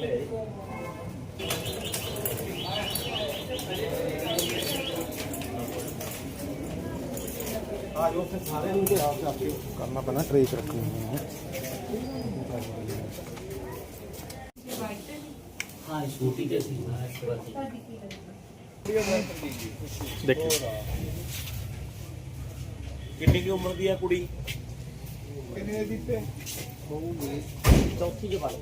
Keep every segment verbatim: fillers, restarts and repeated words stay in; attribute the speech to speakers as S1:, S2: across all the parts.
S1: करना पैना ट्रेस रखनी है।
S2: हाँ स्कूटी के थी
S1: देखिए
S3: कितनी की उम्र दी है कुड़ी?
S2: चौथी के बाद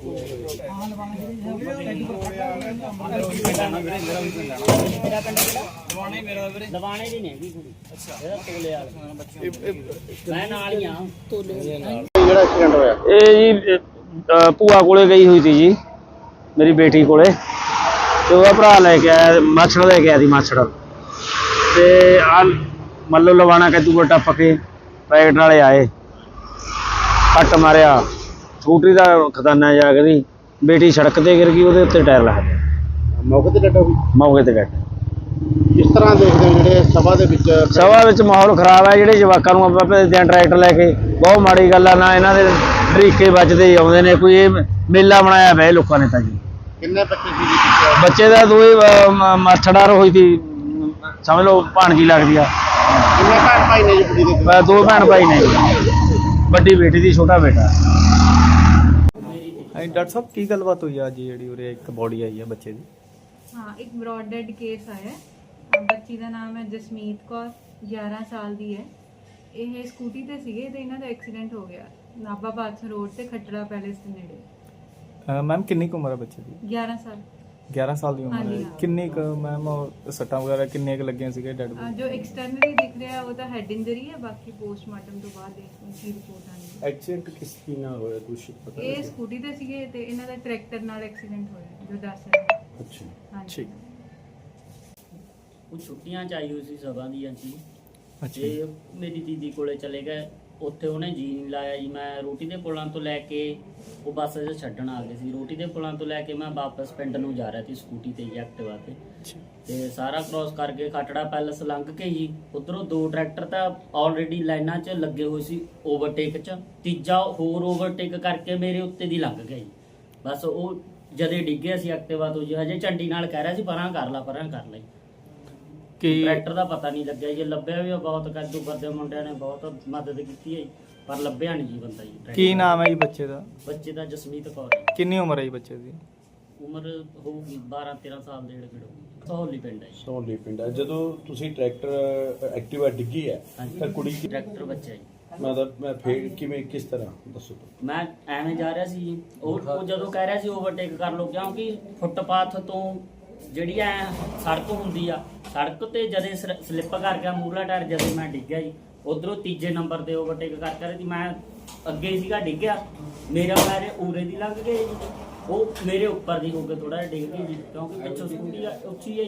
S2: दवाने भी नहीं कुड़ी तोले मैं नाल ही हाँ
S1: ਜਿਹੜਾ ਐਕਸੀਡੈਂਟ ਹੋਇਆ
S4: ਇਹ ਜੀ ਅ, ਭੂਆ ਕੋਲੇ ਗਈ ਹੋਈ ਸੀ ਜੀ ਮੇਰੀ ਬੇਟੀ ਕੋਲੇ ਤੇ ਉਹਦਾ ਭਰਾ ਲੈ ਕੇ ਆਇਆ ਮਾਛੜ ਲੈ ਕੇ ਆਇਆ ਸੀ ਮਾਛੜ ਤੇ ਆ ਮੱਲੋ ਲਵਾਣਾ ਕੱਦੂ ਟੱਪ ਕੇ ਪੈਕਟ ਵਾਲੇ ਆਏ ਕੱਟ ਮਾਰਿਆ ਸਕੂਟਰੀ ਦਾ ਖਜ਼ਾਨਾ ਜਾ ਕੇ ਬੇਟੀ ਸੜਕ ਤੇ ਗਿਰ ਗਈ ਉਹਦੇ ਉੱਤੇ ਟਾਇਰ ਲੱਗ ਗਿਆ
S1: ਮੌਕੇ ਤੇ ਡੈਡ ਹੋ ਗਈ।
S4: ਮੌਕੇ ਤੇ ਡੈਡ।
S1: ਕਿਸ ਤਰ੍ਹਾਂ ਦੇਖਦੇ ਹੋ ਜਿਹੜੇ ਸਭਾ ਦੇ ਵਿੱਚ
S4: ਸਭਾ ਵਿੱਚ ਮਾਹੌਲ ਖਰਾਬ ਹੈ ਜਿਹੜੇ ਜਵਾਕਾਂ ਨੂੰ ਆਪਾਂ ਭੇਜਦੇ ਹਾਂ ਟਰੈਕਟਰ ਲੈ ਕੇ ਬਹੁਤ ਮਾੜੀ ਗੱਲ ਆ ਨਾ ਇਹਨਾਂ ਦੇ ਢਰੀਕੇ ਵੱਜਦੇ ਹੀ ਆਉਂਦੇ ਨੇ ਕੋਈ ਇਹ ਮੇਲਾ ਬਣਾਇਆ ਪਿਆ ਲੋਕਾਂ ਨੇ ਤਾਂ ਜੀ।
S1: ਕਿੰਨੇ ਬੱਚੇ ਸੀ ਜੀ?
S4: ਬੱਚੇ ਦਾ ਦੋ ਹੀ ਮਾਛੜਾਰ ਹੋਈ ਸੀ ਸਮਝ ਲਓ ਭਾਣਜੀ ਲੱਗਦੀ ਆ।
S1: ਕਿੰਨੇ ਭੈਣ ਭਾਈ ਨੇ ਜੀ ਕੁੜੀ ਦੇ?
S4: ਮੈਂ ਦੋ ਭੈਣ ਭਾਈ ਨੇ ਵੱਡੀ ਬੇਟੀ ਦੀ ਛੋਟਾ ਬੇਟਾ।
S5: ਹਾਂਜੀ ਡਾਕਟਰ ਸਾਹਿਬ ਕੀ ਗੱਲਬਾਤ ਹੋਈ ਆ ਅੱਜ ਜਿਹੜੀ ਉਰੇ ਇੱਕ ਬੋਡੀ ਆਈ ਆ ਬੱਚੇ ਦੀ?
S6: ਹਾਂ ਇੱਕ ਬ੍ਰੌਡ ਡੈਡ ਕੇਸ ਆਇਆ ਹੈ। ਬੱਚੀ ਦਾ ਨਾਮ ਹੈ ਜਸਮੀਤ ਕੌਰ, ਗਿਆਰਾਂ ਸਾਲ ਦੀ ਹੈ। ਇਹ ਸਕੂਟੀ ਤੇ ਸੀਗੇ ਤੇ ਇਹਨਾਂ ਦਾ ਐਕਸੀਡੈਂਟ ਹੋ ਗਿਆ ਨਾਭਾ ਬਾਦਸ਼ਾਹ ਰੋਡ ਤੇ ਖੱਟੜਾ ਪੈਲੇਸ ਦੇ ਨੇੜੇ।
S5: ਮੈਮ ਕਿੰਨੀ ਕੁ ਉਮਰ ਹੈ ਬੱਚੇ ਦੀ?
S6: ਗਿਆਰਾਂ ਸਾਲ।
S5: ਗਿਆਰਾਂ ਸਾਲ ਦੀ ਉਮਰ
S6: ਹਾਂਜੀ,
S5: ਹੈ।
S6: ਹਾਂ।
S5: ਕਿੰਨੀ ਕੁ ਮੈਮ ਸੱਟਾਂ ਵਗੈਰਾ ਕਿੰਨੀਆਂ ਕੁ ਲੱਗੀਆਂ ਸੀਗੇ ਡੈਡ
S6: ਅਹ ਜੋ ਐਕਸਟਰਨਲੀ ਦਿਖ ਰਿਹਾ ਉਹ ਤਾਂ ਹੈਡ ਇੰਜਰੀ ਹੈ, ਬਾਕੀ ਪੋਸਟਮਾਰਟਮ ਤੋਂ ਬਾਅਦ ਦੇਖੋ ਕੀ ਰਿਪੋਰਟ ਆਣੀ ਹੈ।
S1: ਐਕਸੀਡੈਂਟ ਕਿਸ ਕੀ ਨਾਲ ਹੋਇਆ ਕੁਛ ਪਤਾ
S6: ਇਹ ਸਕੂਟੀ ਤੇ ਸੀਗੇ ਤੇ ਇਹਨਾਂ ਦਾ ਟਰੈਕਟਰ ਨਾਲ ਐਕਸੀਡੈਂਟ ਹੋਇਆ ਜੋ ਦੱਸ ਰਹੇ।
S1: ਅੱਛਾ
S6: ਹਾਂਜੀ
S5: ਠੀਕ।
S2: ਉਹ ਛੁੱਟੀਆਂ ਚ ਆਈ ਹੋਈ ਸੀ ਸਭਾ ਦੀਆਂ ਜੀ
S5: ਅੱਛਾ
S2: ਤੇ ਮੇਰੀ ਦੀਦੀ ਕੋਲੇ ਚਲੇ ਗਏ। ਉੱਥੇ ਉਹਨੇ ਜੀ ਨਹੀਂ ਲਾਇਆ ਜੀ। ਮੈਂ ਰੋਟੀ ਦੇ ਪੁਲਾਂ ਤੋਂ ਲੈ ਕੇ ਉਹ ਬੱਸ 'ਚ ਛੱਡਣ ਆ ਗਏ ਸੀ। ਰੋਟੀ ਦੇ ਪੁਲਾਂ ਤੋਂ ਲੈ ਕੇ ਮੈਂ ਵਾਪਸ ਪਿੰਡ ਨੂੰ ਜਾ ਰਿਹਾ ਸੀ ਸਕੂਟੀ ਤੇ ਜੀ ਐਕਟਿਵਾ ਤੇ ਤੇ ਸਾਰਾ ਕ੍ਰੋਸ ਕਰਕੇ ਖਟੜਾ ਪੈਲਸ ਲੰਘ ਕੇ ਜੀ ਉਧਰੋਂ ਦੋ ਟਰੈਕਟਰ ਤਾਂ ਆਲਰੇਡੀ ਲਾਈਨਾਂ 'ਚ ਲੱਗੇ ਹੋਏ ਸੀ ਓਵਰਟੇਕ 'ਚ, ਤੀਜਾ ਹੋਰ ਓਵਰਟੇਕ ਕਰਕੇ ਮੇਰੇ ਉੱਤੇ ਦੀ ਲੰਘ ਗਿਆ ਜੀ। ਬਸ ਉਹ ਜਦੇ ਡਿੱਗਿਆ ਸੀ ਐਕਟਿਵਾ ਤੋਂ ਜੀ। ਹਜੇ ਝੰਡੀ ਨਾਲ ਕਹਿ ਰਿਹਾ ਸੀ ਪਰਾਂ ਕਰ ਲਾ ਪਰਾਂ ਕਰ ਲਈ।
S5: ਕੀ
S2: ਟਰੈਕਟਰ ਦਾ ਪਤਾ ਨਹੀਂ ਲੱਗਿਆ ਜੀ। ਲੱਭਿਆ ਵੀ ਬਹੁਤ ਕੱਦੂ ਕਰਦੇ ਮੁੰਡਿਆਂ ਨੇ ਬਹੁਤ ਮਦਦ ਕੀਤੀ ਹੈ ਜੀ, ਪਰ ਲੱਭਿਆ ਨਹੀਂ ਜੀ ਬੰਦਾ ਜੀ।
S5: ਕੀ ਨਾਮ ਹੈ ਜੀ ਬੱਚੇ ਦਾ?
S2: ਬੱਚੇ ਦਾ ਜਸਮੀਤ ਕੌਰ ਹੈ।
S5: ਕਿੰਨੀ ਉਮਰ ਹੈ ਜੀ ਬੱਚੇ ਦੀ?
S2: ਉਮਰ ਹੋਊਗੀ ਬਾਰਾਂ ਤੇਰਾਂ ਸਾਲ ਦੇ ਨੇੜੇ ਹੋਊਗੀ। ਸਹੌਲੀ ਪਿੰਡ ਹੈ ਜੀ।
S7: ਸੋਹਲੀ ਪਿੰਡ ਹੈ। ਜਦੋਂ ਤੁਸੀਂ ਟਰੈਕਟਰ ਐਕਟਿਵਾ ਡਿੱਗੀ ਹੈ
S2: ਹਾਂਜੀ।
S7: ਤਾਂ ਕੁੜੀ ਕੀ
S2: ਟਰੈਕਟਰ ਬੱਚਾ ਜੀ।
S7: ਮਤਲਬ ਮੈਂ ਫੇਰ ਕਿਵੇਂ ਕਿਸ ਤਰ੍ਹਾਂ ਦੱਸੋ?
S2: ਮੈਂ ਐਵੇਂ ਜਾ ਰਿਹਾ ਸੀ ਜੀ। ਉਹ ਉਹ ਜਦੋਂ ਕਹਿ ਰਿਹਾ ਸੀ ਓਵਰਟੇਕ ਕਰ ਲਓ, ਕਿਉਂਕਿ ਫੁੱਟਪਾਥ ਤੋਂ ਜਿਹੜੀ ਐ ਸੜਕ ਹੁੰਦੀ ਆ, ਸੜਕ ਤੇ ਜਦੇ ਸਲਿੱਪ ਕਰ ਗਿਆ ਮੂਹਰਲਾ ਟਾਇਰ। ਜਦੇ ਮੈਂ ਡਿੱਗਿਆ ਜੀ। ਉਧਰੋਂ ਤੀਜੇ ਨੰਬਰ ਤੇ ਓਵਰਟੇਕ ਕਰ ਕਰ ਸੀ ਮੈਂ ਅੱਗੇ ਸੀਗਾ ਡਿੱਗਿਆ। ਮੇਰਾ ਪੈਰ ਉਰੇ ਦੀ ਲੰਘ ਗਏ ਜੀ, ਉਹ ਮੇਰੇ ਉੱਪਰ ਦੀ ਹੋ ਕੇ ਥੋੜਾ ਜਿਹਾ ਡਿੱਗ ਗਈ ਜੀ, ਕਿਉਂਕਿ ਪਿੱਛੋਂ ਸਕੂਟੀ ਉੱਚੀ ਹੈ।